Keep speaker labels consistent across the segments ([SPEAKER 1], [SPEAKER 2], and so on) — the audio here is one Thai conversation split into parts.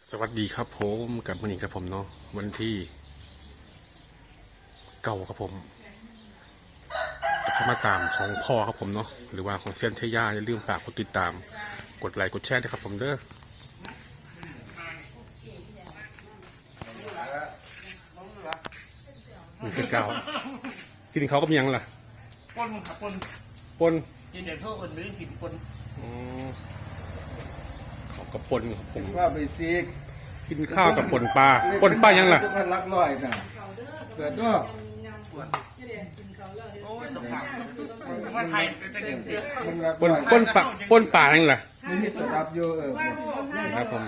[SPEAKER 1] สวัสดีครับผมกับวันนี้ครับผมเนาะวันที่เก้าครับผมจะเข้ามาตามของพ่อครับผมเนาะหรือว่าของเซียนเชย่าอย่าลืมฝากกดติดตามกดไลค์กดแชร์ด้วยครับผมเด้อนี่คือเก้ากินเขาก็มียังล่ะ
[SPEAKER 2] ปนครับ
[SPEAKER 1] ปน
[SPEAKER 2] กินเดี๋ยวเพิ่มอื่นหรือกินปน
[SPEAKER 1] เขากับปนครับผม
[SPEAKER 3] ว่าไปซีก
[SPEAKER 1] กินข้าวกับปนปลายังล่ะ
[SPEAKER 3] ทุกคนรักร้อยนะเกิดก็
[SPEAKER 2] โอ้ยสงสารมันไทยจะกินเสีย
[SPEAKER 1] ปนปลายังล่ะ
[SPEAKER 3] นี่มีตัวรับอยู่
[SPEAKER 1] ครับผม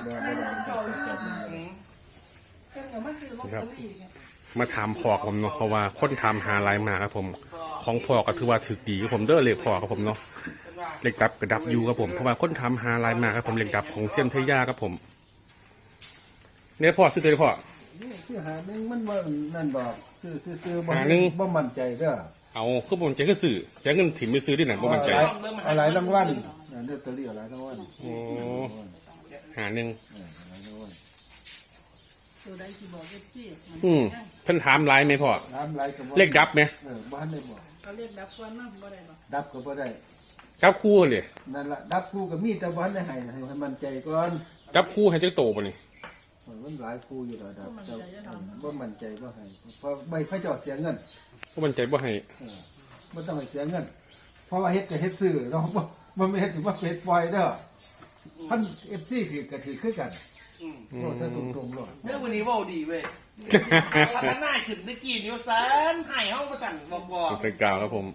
[SPEAKER 1] ครับมาถามพ่อผมเนาะเพราะว่าคนถามหาลายมาครับผมของพ่อก็ถือว่าถือดีครับผมเด้อเลขพ่อครับผมเนาะเลขดับกระดับอยู่ครับผมเพราะว่าคนถามหาลายมาครับผมเลขดับของเซียนเทย่าครับผมเนี่ยพ่อซื้อเลยพ่อ
[SPEAKER 3] ซื้อหาหนึ่งมันว่านั่นบอกซื้อหาหนึ่งบ่มั่นใจเด้อ
[SPEAKER 1] เอาคือบ่มั่นใจคือซื้อใช้เงินถิ่มไปซื้อที่ไหนบ่มั่นใจ
[SPEAKER 3] อะไรรางวัลเดือดตัวเรียวอะไรรางวัล
[SPEAKER 1] โอ้หาหนึ่งเพิ่นถามไลน์ไหมพ่อเลขดับไหม
[SPEAKER 3] บ้านได้บอก
[SPEAKER 4] เขาเรียกดับก่อนมั้งบ่ได้บ่
[SPEAKER 3] ดับก็บ่ได้
[SPEAKER 1] ดับคู่เลย
[SPEAKER 3] นั่นแหละดับคู่กับมีแต่บ้านได้ให้มั่นใจก่อน
[SPEAKER 1] ดับคู่ให้เจ้าโตป่ะนี่
[SPEAKER 3] มันหลายคู่อยู่แล้วดับว่ามั่นใจว่าให้เพราะไม่ค่อยจะเสียเงิน
[SPEAKER 1] บ่มั่นใจบ่ให้
[SPEAKER 3] ไม่ต้องให้เสียเงินเพราะว่าเฮ็ดจะเฮ็ดซื้อเนาะมันไม่เฮ็ดถือว่าเฮ็ดปล่อยเด้อท่านFCถือกระถือขึ้นกันโอ้ซะตรงๆเลย
[SPEAKER 2] เรื่องวันนี้ว่าดีเว้ยวันหน้าขึ้นได้กี่นิ้วสันหายห้องประสันบอก
[SPEAKER 1] เป็นกล่าวครับผม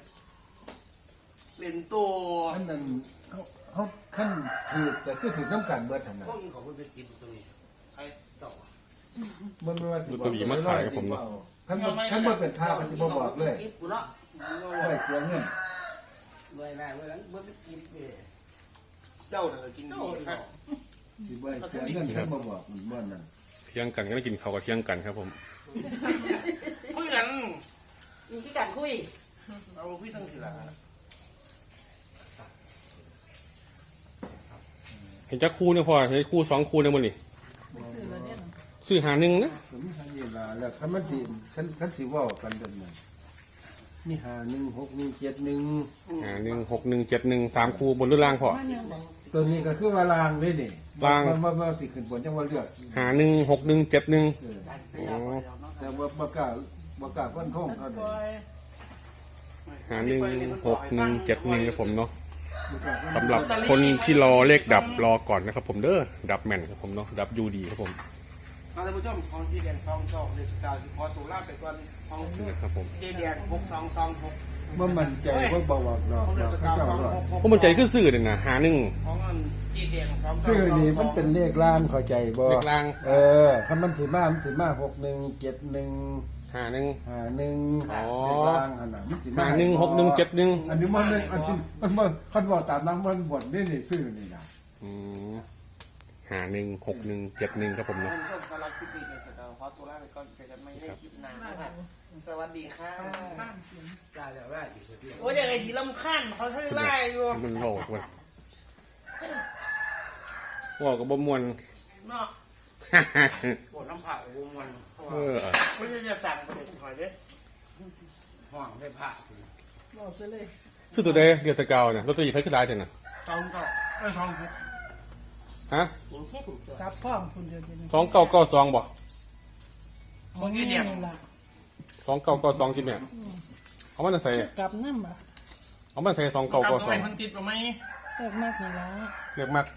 [SPEAKER 2] เป็นตัว
[SPEAKER 3] ท่านนั้นเขาขั้นถือแต่ถือน้ำกันเบิดทันนะ
[SPEAKER 2] คนของคนไปกินตัวนี้ใครต่อ
[SPEAKER 3] มันไม่ว่า
[SPEAKER 1] สิตัวบีมาขายกับผมเนาะ
[SPEAKER 3] ขั้นมันเป็นท่าปฏิบัติบอกเลยไม่เสียเงิน
[SPEAKER 2] ด้วยได้เมื่อนั้นเมื่อไปกินเจ้าเนี่ยจริง
[SPEAKER 3] ที่ไม่เสียเงินขั้นมาบอกมันบ้านนั้น
[SPEAKER 1] เที่ยงกันก็ไม่กินข้าวกับเที่ยงกันครับผม
[SPEAKER 2] คุยกัน
[SPEAKER 4] มีที่กันคุย
[SPEAKER 2] เอาคุยตั้งสิละ
[SPEAKER 1] เห็นจักคู่เนี่ยพ่อเห็นคู่2คู่เนี่ยมันนี่ซื้อหาหนึ่งนะ
[SPEAKER 3] ผมทำเวลาแล้วขั้นมันสิขั้นสิว่ากันแบบนั้นนี่หา1 6 1 7 1
[SPEAKER 1] หา1 6 1 7 1 3คู่บนหรือล่างพ่อ
[SPEAKER 3] ตัวนี้ก็คือว่าลางด้วยนี่
[SPEAKER 1] ลาง
[SPEAKER 3] มาสิขึ้นบนจังว่าเลือก
[SPEAKER 1] หา1 6 1 7 1
[SPEAKER 3] แต่ว่าประกาศก้นท่องเท่านั้น
[SPEAKER 1] หา1 6 1 7 1ครับผมเนาะสำหรับคนที่รอเลขดับรอก่อนนะครับผมเด้อดับแม่นครับผมเนาะดับยูดีครับผม
[SPEAKER 2] ท่านผู้ชมของที่เรียน2 เดือน9ที่พอสูราไปก่อนของ
[SPEAKER 1] ครับผม
[SPEAKER 2] ที่เรียน6226
[SPEAKER 3] ว่ามันใจว่าบอกเนาะ
[SPEAKER 1] ว่ามันใจคือซื้อเนี่ยนะหาหนึ่ง
[SPEAKER 2] ของที่เรียน
[SPEAKER 3] ซื้อนี่มันเป็นเลขล่างเข้าใจบ่
[SPEAKER 1] เลขล่าง
[SPEAKER 3] คันมันสิมา6 1 7 1
[SPEAKER 1] หาหนึ่ง
[SPEAKER 3] อ๋อล่างอันนั้น
[SPEAKER 1] หา1 6 1 7 1
[SPEAKER 3] อันนี้มันมันคันบอกตามนั้นมันบ่นนี่ซื้อนี่นะ
[SPEAKER 1] หา1 6 1 7 1ครับผมเนาะ
[SPEAKER 2] สำหรับคลิปนี้เนี่ยขอตัวลาไปก่อนเจอกันไม่ได้คลิปหน้านะคะสวัสดีค่ะได้แล้วได้โอ้ยอย่างไรที่ลำคันเขาใช้ไล่อยู่
[SPEAKER 1] มันโลกมันว่ากับบ่มวน
[SPEAKER 2] เนาะปวดน้ำผักบ่มวนไม่ใช่จะสั่งไปหอยเด้ห่วงได้ผัก
[SPEAKER 4] บอกซะเลย
[SPEAKER 1] ซื้อตัวเดียวตะเกาเนี่ยรถตัวใหญ่เพิ่งขึ้นได้จังนะ
[SPEAKER 4] ฮะจับพ่อคุณเดียว
[SPEAKER 1] 2992บ่
[SPEAKER 2] มึงยี่เดียว
[SPEAKER 1] 2992สิแม่เอามันใส่
[SPEAKER 4] กลับนั่นบ่
[SPEAKER 1] เอามันใส่2992
[SPEAKER 2] มันติดหรือไม่
[SPEAKER 4] เลือกมากนี่ละ
[SPEAKER 1] เลือกมาก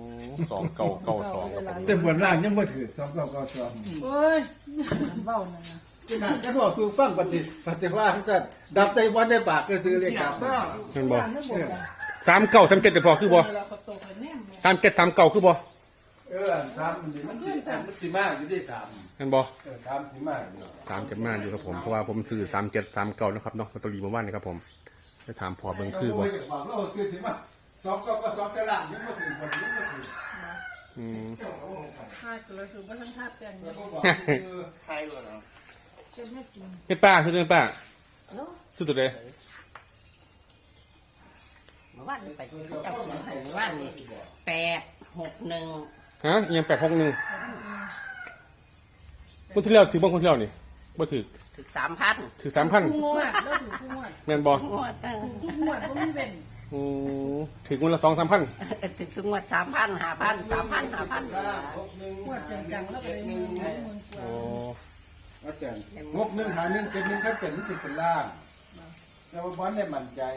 [SPEAKER 1] 2992
[SPEAKER 3] แต่บนล่างยังบ่ถือ2992
[SPEAKER 4] โอ้ยเบ้านั่น
[SPEAKER 3] นะจะบอกคือฟังปฏิว่าท่านดับใจวันได้ปากก็ซื้อเลยครับ
[SPEAKER 1] เห็นบ่39 37แต่พอคือบ่37 39คือบ่
[SPEAKER 3] 3มันสิมาอยู่ที่3
[SPEAKER 1] เห็นบ่
[SPEAKER 3] 3สิมาอยู่
[SPEAKER 1] 3จะมาอยู่ครับผมเพราะว่าผมซื้อ37 39นะครับเนาะลอตเตอรี่เมื่อวานนี้ครับผมไปถามพอเบิ่งคือบ่
[SPEAKER 3] เราซื้อสิมา2แต่ล่างยังบ่ถึงบ่ถึง
[SPEAKER 4] ใช่ก็เลยคือว่าทั้งท่าแปลงเนี่ย
[SPEAKER 2] ใครเหรอ
[SPEAKER 4] จะไม่กิน
[SPEAKER 1] เป็นป้าซื้อเป็นป้าซื้อตัวใด
[SPEAKER 5] เมื่อวานไปเจ้าเขียนให้เมื่อวานนี่8 6 1
[SPEAKER 1] ฮะยัง861คนที่แล้วถือบ้างคนที่แล้วนี่บ่ถือ
[SPEAKER 5] ถึง 3,000
[SPEAKER 1] ถือ
[SPEAKER 4] ผู้
[SPEAKER 1] 3,000
[SPEAKER 4] งวดแล้วถูกผู้งวด
[SPEAKER 1] แม่นบ่
[SPEAKER 5] งวด
[SPEAKER 4] ผู้งวดบ่มีเป็น
[SPEAKER 1] ถือคนละ2-3,000
[SPEAKER 5] ถึงงวด 3,000 5,000 3,000 5,000
[SPEAKER 4] งวดจังๆแล้วก็เลยมือกว่า
[SPEAKER 1] อ๋อ
[SPEAKER 3] อาจารย์งบ1หา1 7 1ถ้าเป็นสิเป็นล่างแต่ว่าบอลได้มั่นใจ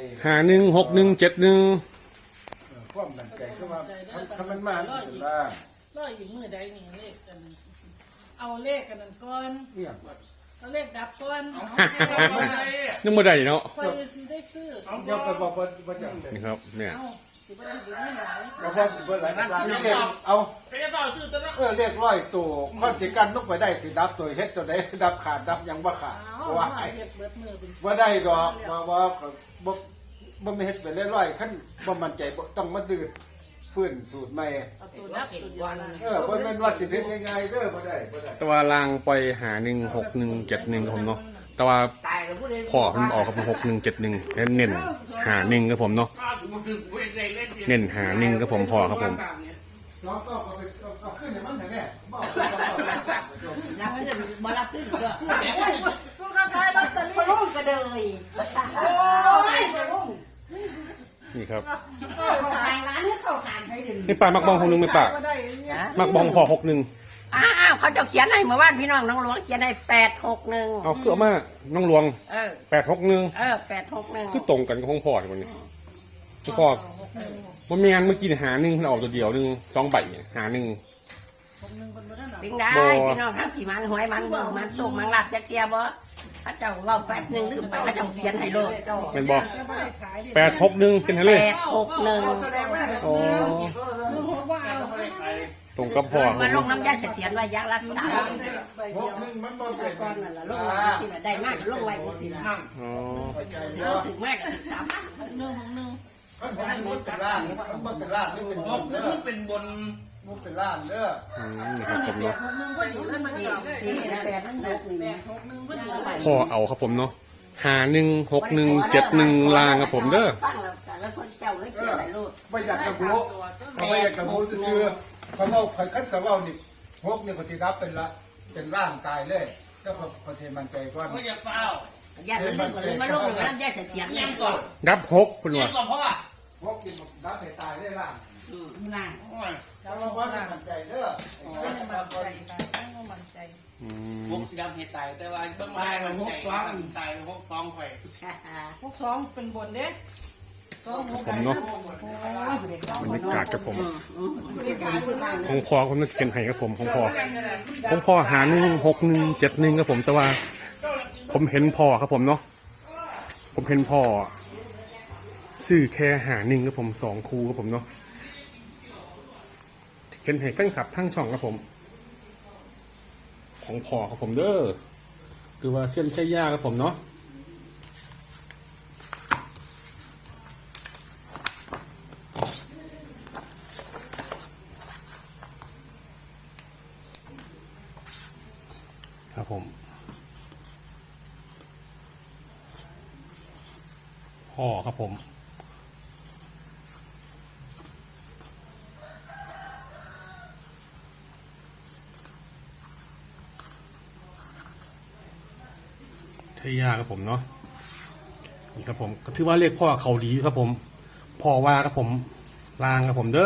[SPEAKER 3] ความมั่นใจคือว่าถ้ามันมามันเป็นล่าง
[SPEAKER 4] ร้อยอยู่มือใดนี่เลขกัน เอาเลขกันนั่นก่อน
[SPEAKER 3] เนี่ย
[SPEAKER 4] เอาเลขดับก่อน
[SPEAKER 1] นึกบ่ได้เนาะ
[SPEAKER 4] คอยสิได้ซื้อ
[SPEAKER 3] เดี๋ยวไปบอกว่าจังเลย
[SPEAKER 1] นี่ครับเนี่ย
[SPEAKER 4] เอาสิบ่ได้เบิดเงินหลาย
[SPEAKER 3] เราบอกว่าหลายล่างเรียกเอา
[SPEAKER 2] ไปจะเปล่าชื่อตัวนั้น
[SPEAKER 3] เรียกร้อยตัวคอนสิกันลงไปได้สิดับตัวเฮ็ดตัวใดดับขาดดับยังบ่ขาด
[SPEAKER 4] เอา
[SPEAKER 3] ว่า
[SPEAKER 4] มาเฮ็ดเบิดมือเป็นสิบ
[SPEAKER 3] ว่าได้ดอกว่าบ่ไม่เฮ็ดไปเรื่อยๆขั้นบ่มั่นใจบ่ต้องมาดืดฟื้นสูตรใหม่
[SPEAKER 4] เอาตัวดับตัวเดียวนะ
[SPEAKER 3] บ่แม่นว่าสิเฮ็ดง่ายๆเด้อบ่ได้
[SPEAKER 1] แต่ว่าลางปล่อยหา16171ครับผมเนาะแต่ว่า
[SPEAKER 2] ตายแล้วพูดเอง
[SPEAKER 1] พ่อมันออกกับ6171เน้นหา1ครับผมเนาะ
[SPEAKER 2] ข้าวถึงมาถึงเว้ยใจเล่น
[SPEAKER 1] เน้นหา1ครับผมพ่อครับผม
[SPEAKER 3] น้องก็เอาขึ้นให้มันแน่บ่
[SPEAKER 5] รับไม่ได้บ่รับขึ้นก็
[SPEAKER 4] ผู้ค้าขายลอตเตอรี่
[SPEAKER 5] ลงกระเดย
[SPEAKER 1] นี่ครับ
[SPEAKER 5] เข้าขายร้านนี้เข้าขายให้ดึง
[SPEAKER 1] นี่ป้ามักบอง61ไหมป้า
[SPEAKER 4] ก็ได้เนี่ย
[SPEAKER 1] มักบองพ่อ61
[SPEAKER 5] อ้าวเขาจะเขียนให้เมื่อวานพี่น้องน้องหลวงเขียนให้861
[SPEAKER 1] เอาคือเอามาน้องหลวง 861
[SPEAKER 5] 861
[SPEAKER 1] คือตรงกันกับของพ่อที่วันนี้ของพ่อมันมีงานเมื่อกี้หา1มันออกตัวเดียว1 2ใบเนี่ยหา1
[SPEAKER 5] ปิงได้พี่น้องทั้งกี่มันหวยมันเบิ่งมันสุกมันหลับจะเทียบ่พระเจ้าเว้าแป๊บนึงลืมไปพระเจ้าเขียนให้โลด
[SPEAKER 1] เป็นบ่
[SPEAKER 4] จะไม่ได้ขายดิ
[SPEAKER 1] 861เป็นไงเลย
[SPEAKER 5] 861
[SPEAKER 1] โอ้
[SPEAKER 4] ลุงบอกว่าเอา
[SPEAKER 1] ตรงกับพ่อค
[SPEAKER 5] มา
[SPEAKER 1] รับ
[SPEAKER 5] ลงน้ำยาเสียนไว้ยักษ์รักษา
[SPEAKER 4] ใบเดียว
[SPEAKER 3] มันบ่เป็น
[SPEAKER 5] ก่อนนั่นล่ะลงไว้สิล่ะได้มากก็ลงไว้สิล่ะ
[SPEAKER 1] อ๋อ
[SPEAKER 5] สิลงถึงมากก็13,000
[SPEAKER 3] มันเป็นล่างมันเป็นล่างนี่เป็น
[SPEAKER 2] บ
[SPEAKER 3] บ
[SPEAKER 2] อน ก
[SPEAKER 3] เด้
[SPEAKER 2] นึ
[SPEAKER 3] อง
[SPEAKER 2] เป็นบน
[SPEAKER 3] มันเป็นล่างเด้อ
[SPEAKER 1] นี่ครับผมเนาะ
[SPEAKER 4] มึงก็อยู่แล้วมันก็
[SPEAKER 5] ที่8มัน6นี่
[SPEAKER 4] 6-1ก็อยู่ไป
[SPEAKER 1] พ่อเอาครับผมเนาะ516171ลางครับผมเด้อ
[SPEAKER 5] ฟังแล้วแต่ละคนเจ้าเลยเขียนให้โลด
[SPEAKER 3] ไม่อยากกระบุไม่อยากกระบุคือเขาเล่าใครคัดเขาเล่านี่พวกนี่ปฏิรับเป็นร่างตายเลยก็เขาเทมันใจก่อน
[SPEAKER 2] ก็อย่าเฝ้า
[SPEAKER 5] ญาติมันเรื่องมาลงอยู่น้ำยาเสียน
[SPEAKER 2] ยังก่อน
[SPEAKER 1] ดับ6คุณ
[SPEAKER 2] ยั
[SPEAKER 1] ว่าง
[SPEAKER 2] ก่อนเพราะว่า
[SPEAKER 3] พวกนี่รับให้ตายได้ร่าง
[SPEAKER 5] ล่าง
[SPEAKER 3] แล้วว่ามันใจเด้อ
[SPEAKER 4] ไม่ได้มั่นใจค่ะตั้งว่ามั่นใจ
[SPEAKER 2] พวกสีดำเหตุตายแต่ว่าต้องมาพวกฟ้องตายพวกฟ้องไข่
[SPEAKER 4] พวกสองเป็นบนเด้สองหก
[SPEAKER 1] ผมเนาะบรรยากาศกับผมของพ่อผมนึกเขียนให้ครับผมของพ่อ516171ครับผมแต่ว่า ผมเห็นพ่อครับผมเนาะผมเห็นพ่อซื้อแค่1ครับผม2คู่ครับผมเนาะเขียนให้แฟนคลับทั้งช่องครับผม ของพ่อครับผมเด้อคือว่าเส้นใช้ยาครับผมเนาะครับผมพ่อครับผมใช้ยาครับผมเนาะนี่ครับผมก็ถือว่าเรียกพ่อเขาดีครับผมพ่อว่าครับผมลางครับผมเด้อ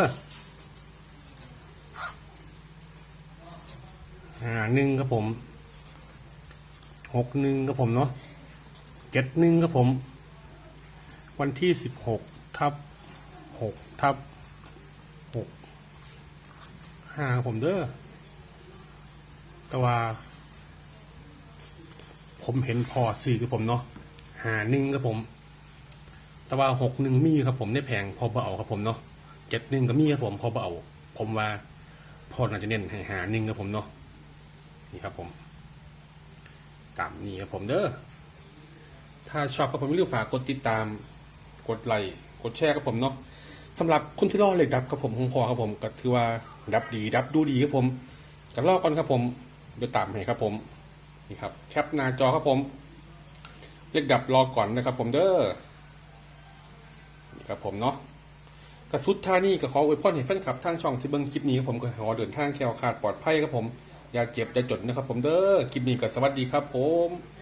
[SPEAKER 1] 1ครับผม61ครับผมเนาะ71ครับผมวันที่16/6/65ครับผมเด้อแต่ว่าผมเห็นพอซื้อกับผมเนาะ51ครับผมแต่ว่า61มีครับผมได้แพงพอเบเอาครับผมเนาะ71ก็มีครับผมพอเบเอาผมว่าพอน่าจะเน้นให้51ครับผมเนาะนี่ครับผมตามนี้ครับผมเด้อถ้าชอบก็ผมอย่าลืมฝากกดติดตามกดไลค์กดแชร์กับผมเนาะสำหรับคนที่รอเลขดับกับผมของพอครับผมก็ถือว่าดับดีดับดูดีครับผมกันรอก่อนครับผมเดี๋ยวตามให้ครับผมนี่ครับแคปหน้าจอครับผมเลขดับรอก่อนนะครับผมเด้อนี่ครับผมเนาะกระสุดท่านี่ก็ขออวยพรให้แฟนคลับทางช่องที่เบิ่งคลิปนี้ครับผมก็ขอเดินทางแคล้วคลาดปลอดภัยครับผมอย่าเจ็บอย่าจนนะครับผมเด้อคลิปนี้ก็สวัสดีครับผม